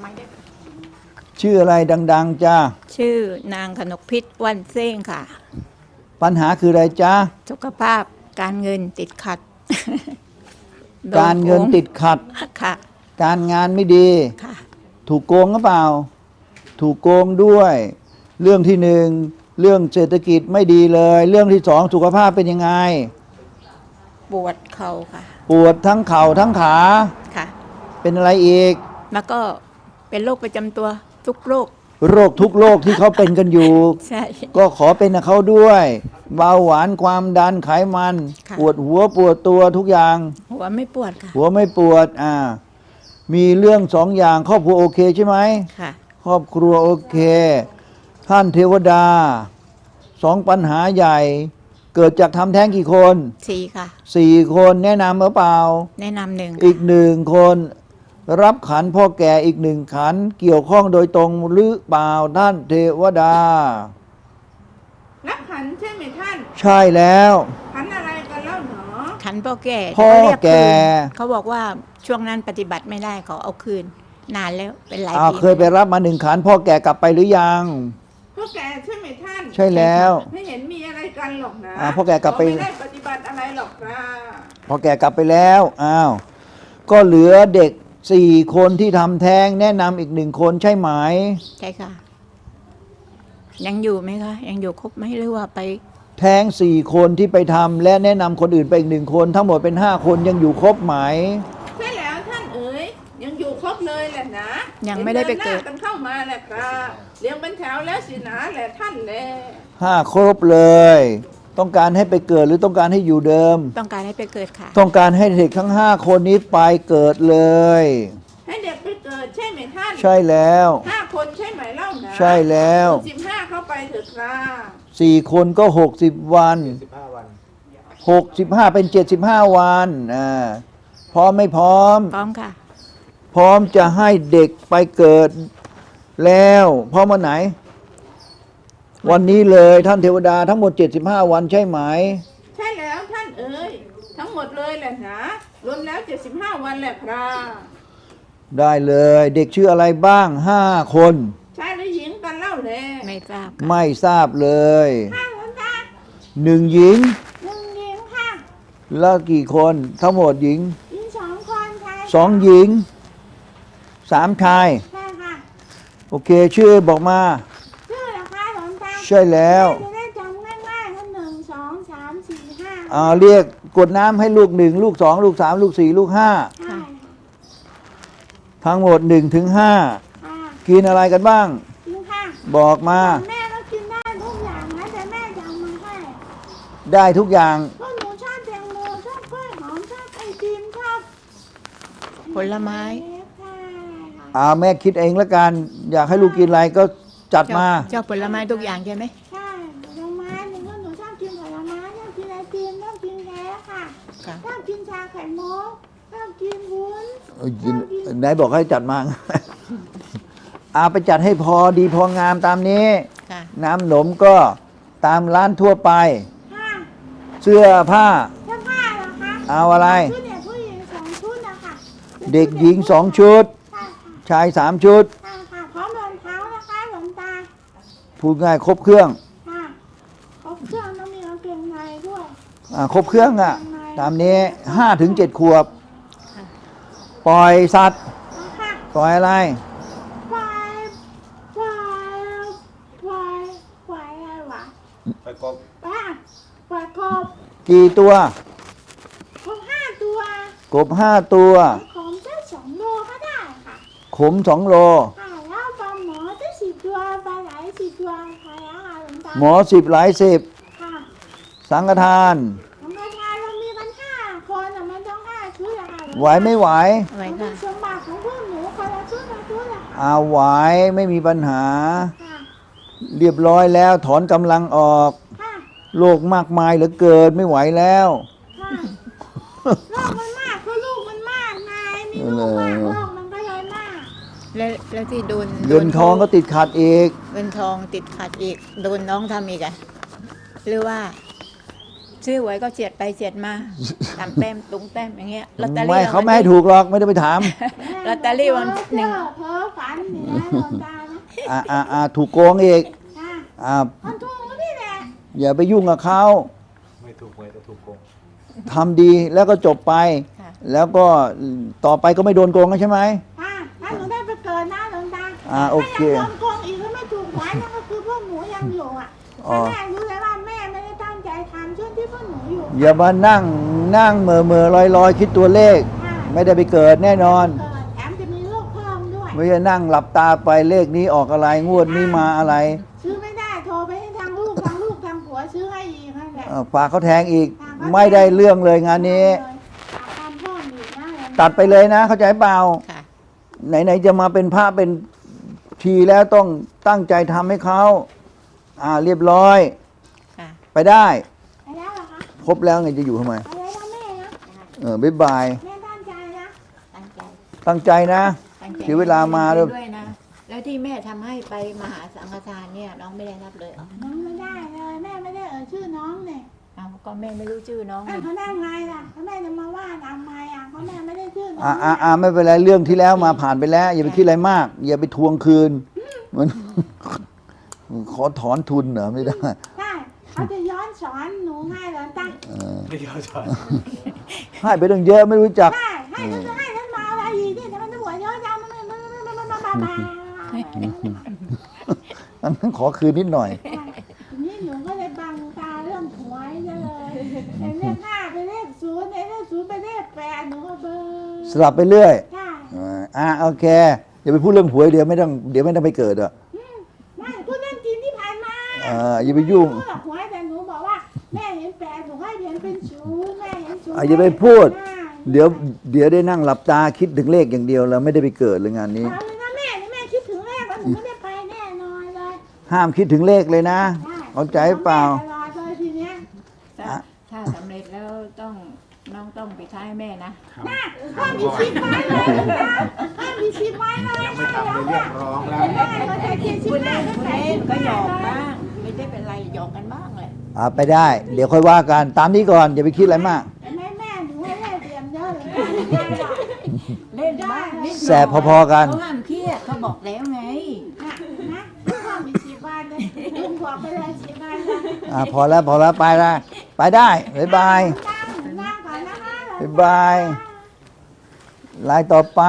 ไม่ได้ชื่ออะไรดังๆจ้าชื่อนางขนกพิษวันเซ้งค่ะปัญหาคืออะไรจ้าสุขภาพการเงินติดขัดการเงินติดขัดค่ะการงานไม่ดีค่ะถูกโกงหรือเปล่าถูกโกงด้วย เรื่องที่หนึ่งเรื่องเศรษฐกิจไม่ดีเลย เรื่องที่สองสุขภาพเป็นยังไงปวดเข่าค่ะปวดทั้งเข่าทั้งขาค่ะเป็นอะไรอีกแล้วก็เป็นโรคประจำตัวทุกโรคทุกโรคที่เขาเป็นกันอยู่ใช่ก็ขอเป็นกับเขาด้วยเบาหวานความดันไขมันปวดหัวปวดตัวทุกอย่างหัวไม่ปวดค่ะหัวไม่ปวดมีเรื่องสองอย่างครอบครัวโอเคใช่ไหมค่ะครอบครัวโอเคท่านเทวดาสองปัญหาใหญ่เกิดจากทำแท้งกี่คน 4ค่ะ 4คนแนะนำหรือเปล่าแนะนำ1 อีก1คนรับขันพ่อแก่อีก1ขันเกี่ยวข้องโดยตรงหรือเปล่าท่านเทวดารับขันใช่ไหมท่านใช่แล้วขันอะไรกันเล่าหนอขันพ่อแก่เขาบอกว่าช่วงนั้นปฏิบัติไม่ได้เขาเอาคืนนานแล้วเป็นหลายปีเคยไปรับมา1ขันพ่อแก่กลับไปหรือยังพ่อแก่ใช่ไหมท่านใช่แล้วไม่เห็นมีอะไรกันหรอกนะพ่อแก่กลับไปไม่ได้ปฏิบัติอะไรหรอกนะพ่อแก่กลับไปแล้วก็เหลือเด็ก4คนที่ทำแท้งแนะนำอีก1คนใช่ไหมใช่ค่ะยังอยู่ไหมคะยังอยู่ครบไหมหรือว่าไปแท้ง4คนที่ไปทำและแนะนำคนอื่นไปอีก1คนทั้งหมดเป็น5คนยังอยู่ครบไหมใช่แล้วท่านเอ๋ยยังอยู่ครบเลยแหละนะยังไม่ได้ไปเกิดกันเข้ามาแหละครับเลี้ยงเป็นแถวแล้วสินะแหละท่านแล 5ครบเลยต้องการให้ไปเกิดหรือต้องการให้อยู่เดิมต้องการให้ไปเกิดค่ะต้องการให้เด็กทั้ง5คนนี้ไปเกิดเลยให้เด็กไปเกิดใช่ไหมท่านใช่แล้ว 5คนใช่ไหมเล่านะใช่แล้ว 15เข้าไปเถิดครับ 4คนก็60วัน65เป็น75วันพร้อมไม่พร้อมพร้อมค่ะพร้อมจะให้เด็กไปเกิดแล้วพร้อมวันไหนวันนี้เลยท่านเทวดาทั้งหมด75วันใช่ไหมใช่แล้วท่านเอ๋ยทั้งหมดเลยแหละนะรวมแล้ว75วันแหละครับได้เลยเด็กชื่ออะไรบ้าง5คนชายหรือหญิงกันเล่าเลยไม่ทราบไม่ทราบเลยค่ะหลวงตา 1หญิง 1หญิงค่ะแล้วกี่คนทั้งหมดหญิง 2คนชาย 2หญิง3ชายใช่ค่ะโอเคชื่อบอกมาชื่อเหรอคะหลวงตาใช่แล้วจะได้จำง่ายๆว่า1 2 3 4 5 เรียกกดน้ำให้ลูก1ลูก2ลูก3ลูก4ลูก5 ค่ะทั้งหมด1ถึง5กินอะไรกันบ้างกินค่ะบอกมาแม่ก็กินได้ทุกอย่างนะแต่แม่จะเอามาให้ได้ทุกอย่างเพราะหนูชอบแตงโมชอบกล้วยหอมชอบไอติมชอบผลไม้แม่คิดเองแล้วกันอยากให้ลูกกินอะไรก็จัดมาชอบผลไม้ทุกอย่างใช่ไหมใช่ผลไม้หนูก็หนูชอบกินผลไม้ชอบกินไอติมชอบกินแค้กค่ะชอบกินชาไข่มุกชอบกินวุ้นไหนบอกให้จัดมาไปจัดให้พอดีพองามตามนี้น้ำหนมก็ตามร้านทั่วไปเสื้อผ้าเหรอคะเอาอะไรชุดเด็กผู้หญิง2ชุดนะคะเด็กหญิง2ชุดชาย3ชุดค่ะพร้อมรองเท้านะคะหลวงตาพูดง่ายครบเครื่องครบเครื่องต้องมีกางเกงในด้วยครบเครื่องตามนี้5ถึง7ขวบปล่อยสัตว์ปล่อยอะไรปล่อยอะไรวะปล่อยกบปล่อยกบกี่ตัวกบ5ตัวกบ5ตัวขมได้2โลก็ได้ค่ะขม2โลแล้วปลาหมอได้10ตัวปลาไหล10ตัวใครหลวงตาหมอ10หลาย10 ค่ะสังฆทานเรามีกัน5คนมันต้อง5ชุดอะค่ะไหวไม่ไหวค่ะสมบัติของพวกหนูคนละชุดไหวไม่มีปัญหาเรียบร้อยแล้วถอนกำลังออกโรคมากมายเหลือเกินไม่ไหวแล้วโรคมันมากเพราะลูกมันมากไงมีลูกมากโรคมันก็เลยมากแล้วที่โดนเงินทองก็ติดขัดอีกเงินทองติดขัดอีกโดนน้องทำอีกหรือว่าซื้อหวยก็เฉียดไปเฉียดมาตามแต้มตุงแต้มอย่างเงี้ยลอตเตอรี่ไม่เขาไม่ให้ถูกหรอกไม่ได้ไปถามลอตเตอรี่วันหนึ่งเพ้อฝันนี่นะหลวงตานะถูกโกงอีกค่ะอ่ามันถูกนี่แหละอย่าไปยุ่งกับเขาไม่ถูกหวยแต่ถูกโกงทำดีแล้วก็จบไปค่ะแล้วก็ต่อไปก็ไม่โดนโกงแล้วใช่ไหมค่ะถ้าหนูได้ไปเกิดนะหลวงตาโอเคถ้ายังโดนโกงอีกแล้วไม่ถูกหวยนั่นก็คือพวกหนูยังอยู่อ่ะอ๋อถ้าแม่รู้เลยว่าแม่ไม่ได้ตั้งใจทำช่วงที่พวกหนูอยู่อย่ามานั่งเหม่อลอยคิดตัวเลขค่ะไม่ได้ไปเกิดแน่นอนเกิดแถมจะมีลูกเพิ่มด้วยไม่ใช่นั่งหลับตาไปเลขนี้ออกอะไรงวดนี้มาอะไรซื้อไม่ได้โทรไปให้ทางลูกทางผัวซื้อให้อีกนั่นแหละฝากเขาแทงอีก ไม่ได้เรื่องเลยงานนี้ทำเพิ่มอีกนะตัดไปเลยนะ เข้าใจเปล่าค่ะไหนๆจะมาเป็นพระเป็นทีแล้วต้องตั้งใจทำให้เขาเรียบร้อยค่ะไปได้ไปแล้วเหรอคะครบแล้วไงจะอยู่ทำไมไปแล้วนะแม่นะบ๊ายบายแม่ตั้งใจนะตั้งใจตั้งใจนะตั้งใจเสียเวลามาด้วยด้วยนะ แล้วที่แม่ทำให้ไปมหาสังฆทานเนี่ยน้องไม่ได้รับเลยเหรอน้องไม่ได้เลยแม่ไม่ได้ชื่อน้องเนี่ยเอาก็แม่ไม่รู้ชื่อน้องนี่เขาได้ไงล่ะแม่จะมาว่าทำไมเพราะแม่ไม่ได้ชื่อน้องไม่เป็นไรเรื่องที่แล้วมาผ่านไปแล้ว อย่าไปคิดอะไรมาก อย่าไปทวงคืนมัน ขอถอนทุนเหรอไม่ได้ใช่เขาจะย้อนสอนหนูให้เหรอตั้งไม่ยอมสอนให้ไปตั้งเยอะไม่รู้จักใช่ให้ฉันมาอะไรอีกเนี่ยแต่มันจะหัวเยอะจังมันอันนั้นขอคืนนิดหน่อยนี่หนูก็เลยบังตาเรื่องหวยเลยแต่เลขห้าไปเลขศูนย์เลขศูนย์ไปเลข8หนูก็เบอร์สลับไปเรื่อยใช่โอเคอย่าไปพูดเรื่องหวยเดี๋ยวไม่ต้องไปเกิดอ่ะไม่พูดเรื่องจริงที่ผ่านมาอย่าไปยุ่งหนูบอกหวยแต่หนูบอกว่าแม่เห็น8หนูให้เห็นเป็นศูนย์แม่เห็นศูนย์อย่าไปพูด เดี๋ยวได้นั่งหลับตาคิดถึงเลขอย่างเดียวแล้วไม่ได้ไปเกิดเลยงานนี้เอาเลยนะแม่นี่แม่คิดถึงเลขแล้วหนูไม่ได้ไปแน่นอนเลยห้ามคิดถึงเลขเลยนะใช่เข้าใจเปล่าตลอดเลยทีเนี้ยถ้าสำเร็จแล้วน้องต้องไปท้ายแม่นะน่ะพ่อมีชิปไว้เลยนะพ่อมีชิปไว้เลยยังไม่ทำเลยเรียกร้องแล้วแม่ก็จะเขียนชิปคุณไว้เล่นตั้งคุณแต่เล่ชินปก็หยอกแรบ้าง ไม่ได้เป็นไรหยอกกันบ้างเลยไปได้ เดี๋ยวค่อยว่ากันตามนี้ก่อนอย่าไปคิดอะไรมากแม่หนูให้ได้เตรียมเยอะเลยเล่นบ้างนิดหน่อยแสบพอๆกันเขาห้ามเครียดเขาบอกแล้วไงนะพ่อมีชิปไว้เลยลุงบอกไปเลยชิปไว้เลยพอแล้วไปได้บ๊ายบายนั่งก่อนนะคะบ๊ายบาย ลายต่อไป